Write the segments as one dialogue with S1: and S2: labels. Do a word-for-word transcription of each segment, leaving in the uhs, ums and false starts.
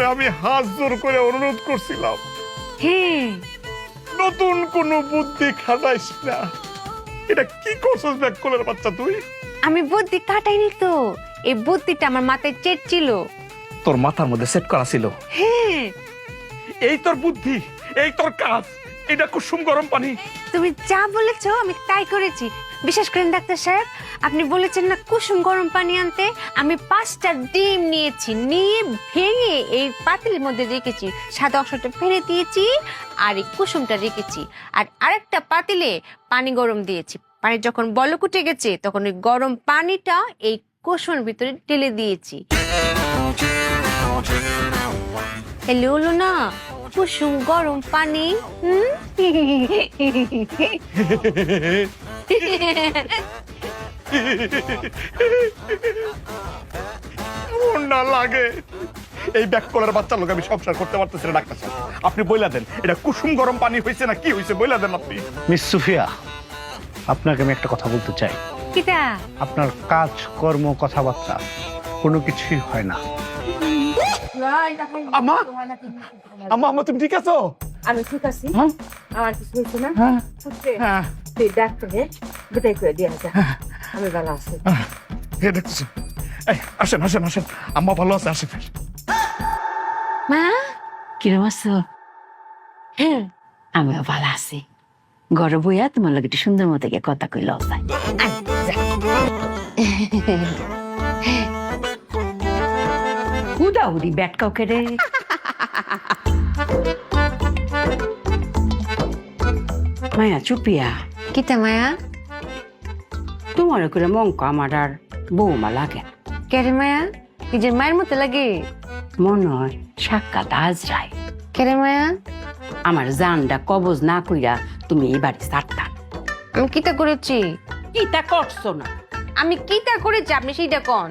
S1: আমি হাত জোর করে অনুরোধ করছিলাম,
S2: হ্যাঁ
S1: নতুন কোনো বুদ্ধি খাটাইস না। এটা কি করছস ব্যাককলের বাচ্চা তুই?
S2: আমি বুদ্ধি কাটাইনি তো, এই বুদ্ধিটা আমার মাথায় চেট ছিল।
S1: তোর মাথার মধ্যে সেট করা ছিল।
S2: হ্যাঁ
S1: এই তোর বুদ্ধি, এই তোর কাজ, এটা কুসুম গরম পানি।
S2: তুমি যা বলেছো আমি তাই করেছি। বিশেষ করেন ডাক্তার সাহেব, আপনি বলেছেন না কুসুম গরম পানি আনতে, আমি পাঁচটা ডিম নিয়েছি, নিয়ে ভেঙে এই পাতিলের মধ্যে রেখেছি, সাদা অংশটা ফেলে দিয়েছি আর এই কুসুমটা রেখেছি, আর আরেকটা পাতিলে পানি গরম দিয়েছি। পানি যখন বলক উঠে গেছে তখন ওই গরম পানিটা এই কুসুমের ভিতরে ঢেলে দিয়েছি। এলে হলো না কুসুম গরম পানি। হুম
S1: না লাগে, এই ব্যাককলের বাচ্চার লোক আমি সংসার করতে পারতেছি না। ডাক্তার সাহেব, আপনি বইলা দেন এটা কুসুম গরম পানি হয়েছে না কি হয়েছে, বইলা দেন আপনি।
S3: মিস সুফিয়া, আপনাকে আমি একটা কথা বলতে চাই।
S2: কিটা?
S3: আপনার কাজ কর্ম কথাবার্তা কোনো কিছুই হয় না।
S1: আমা আমা আমা তুমি ঠিক আছো?
S4: আমি ঠিক আছি।
S3: হ্যাঁ
S4: আমার কিছু হয়েছে না।
S3: হ্যাঁ
S4: হচ্ছে
S1: হ্যাঁ
S4: তুই ডাক্তারে বিদায় করে দিয়ে যা, আমি ভালো আছি।
S1: হ্যাঁ দেখতেছি। এই আসেন আসেন আসেন, আম্মা ভালো আছে, আসেন।
S2: মা
S5: কিরম আছো?
S2: হ্যাঁ
S5: আমিও ভালো আছি। ঘরে বইয়া তোমার লাগে একটু সুন্দর মতো গিয়ে কথা কই লজায়। উদাউরি ব্যাট কাউকে রে। মায়া চুপিয়া,
S2: কিটা মায়া?
S5: তোমার করে মঙ্ক আমার আর বৌমা লাগে।
S2: কেরে মায়া? নিজের মায়ের মতো লাগে?
S5: মনে হয় সাক্ষাৎ আজরাই।
S2: কেরে মায়া?
S5: আমার জানটা কবজ না কইরা তুমি এই বাড়ি ছাড়তা।
S2: আমি কিটা করেছি?
S5: কিটা করছো না?
S2: আমি কিটা করেছি আপনি সেইটা কোন?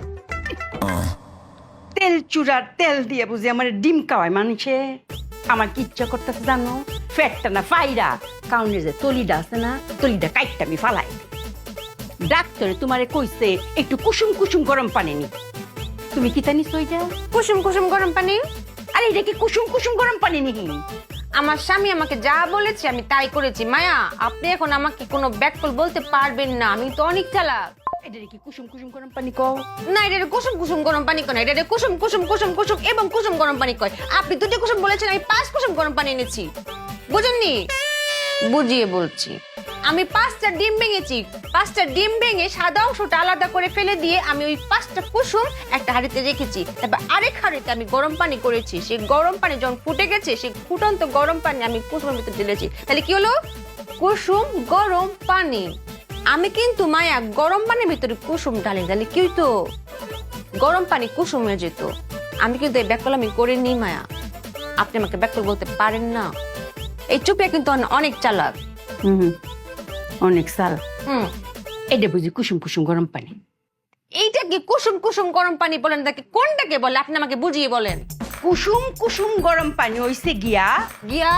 S5: তেল চূড়ার তেল দিয়ে বুঝি আমার ডিম খাওয়ায় মানুষে। আমার কি ইচ্ছা করতেছে জানো? ফ্যাটটা না ফাইরা কাউনের যে তলিটা আছে না, তলিটা কাইটটা আমি ফালাই। ডাক্তারে তোমারে কইছে একটু কুসুম কুসুম গরম পানি নি। তুমি কি জানিস ওইটা?
S2: কুসুম কুসুম গরম পানি?
S5: আরে এটা কি কুসুম কুসুম গরম পানি নি?
S2: আমার স্বামী আমাকে যা বলেছে আমি তাই করেছি। মায়া, আপনি এখন আমাকে কোনো ব্যাককল বলতে পারবেন না, আমি তো অনেক চালাক।
S5: এটা কি কুসুম কুসুম গরম পানি কও?
S2: না, এটা কুসুম কুসুম গরম পানি কয় না, এটা কুসুম কুসুম কুসুম কুসুম এবং কুসুম গরম পানি কয়। আপনি দুটো কুসুম বলেছেন, আমি পাঁচ কুসুম গরম পানি এনেছি। বুঝেননি? বুঝিয়ে বলছি। আমি পাঁচটা ডিম ভেঙেছি, পাঁচটা ডিম ভেঙে সাদা অংশটা আলাদা করে ফেলে দিয়ে আমি ওই পাঁচটা কুসুম একটা হাঁড়িতে রেখেছি। তারপর আরেক হাঁড়িতে আমি গরম পানি করেছি। সেই গরম পানি যখন ফুটে গেছে, সেই ফুটন্ত গরম পানি আমি কুসুমের ভিতরে ঢেলেছি। তাহলে কি হলো? কুসুম গরম পানি। আমি কিন্তু মায়া গরম পানির ভিতরে কুসুম ঢালি, তাহলে কি হইতো? গরম পানি কুসুম হয়ে যেত। আমি কিন্তু এই ব্যাককল আমি করিনি মায়া, আপনি আমাকে ব্যাককল বলতে পারেন না। এই চুপিয়া কিন্তু অনেক চালাক।
S5: হুম, অনেক সাল।
S2: হুম,
S5: এটা বুঝি কুসুম কুসুম গরম পানি?
S2: এইটা কি কুসুম কুসুম গরম পানি বলেন? তাকে কোনটাকে বলে আপনি আমাকে বুঝিয়ে বলেন।
S5: কুসুম কুসুম গরম পানি হইছে গিয়া
S2: গিয়া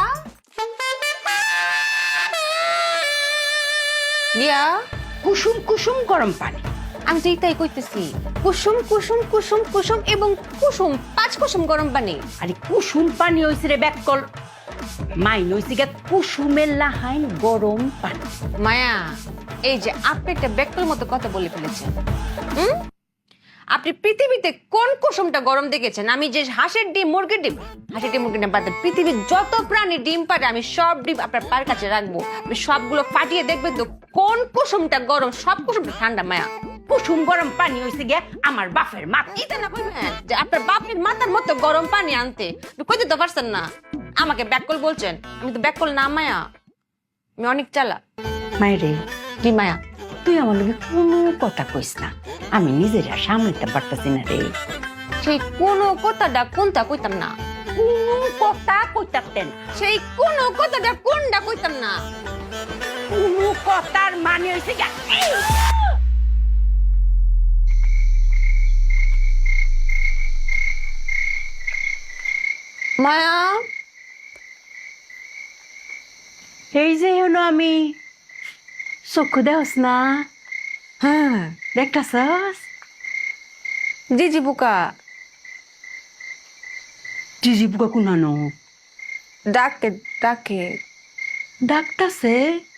S2: গিয়া
S5: কুসুম কুসুম গরম পানি।
S2: আমি তো এইটাই কইতেছি, কুসুম কুসুম কুসুম কুসুম এবং কুসুম, পাঁচ কুসুম গরম পানি।
S5: আরে কুসুম পানি হইছে রে ব্যাককল, মাইন হইছে গিয়া কুসুমের লাহাইন গরম পানি।
S2: মায়া, এই যে আপনি একটা ব্যাককল মতো কথা বলে ফেলেছেন। হুম, আপনি পৃথিবীতে কোন কুসুমটা গরম দেখেছেন? আমি যে হাঁসের ডিম, মুরগির ডিম, হাঁসের ডিম, মুরগির ডিম বাদ দেন, পৃথিবীর যত প্রাণী ডিম পারে আমি সব ডিম আপনার পায়ের কাছে রাখবো। আপনি সবগুলো ফাটিয়ে দেখবেন তো কোন কুসুমটা গরম, সব কুসুমটা ঠান্ডা। মায়া,
S5: কুসুম গরম পানি হইছে গিয়া আমার বাপের মাথা।
S2: ইতে না কইবেন যে আপনার বাপের মাথার মতো গরম পানি আনতে, কইতে তো পারছেন না। আমাকে ব্যাককল বলছেন, আমি তো ব্যাককল না মায়া, আমি অনেক চালাক।
S5: মায়েরে,
S2: কি মায়া?
S5: তুই আমার লগে কোনো কথা কইস না, আমি নিজেরা সামলাতে পারতাছি না রে।
S2: সেই কোনো কথাটা কোনটা কইতাম না,
S5: কোনো কথা কইতাতেন,
S2: সেই কোনো কথাটা কোনটা কইতাম না।
S5: কোনো কথার মানে হইছে গিয়া এই।
S2: মায়া,
S5: এই যে হলো আমি, চক্ষু দেওস না? হ্যাঁ, দেখতাছস?
S2: জি জি বুকা।
S5: টিজি বুকা কুনানো
S2: ডাকে ডাকে
S5: ডাকতাছে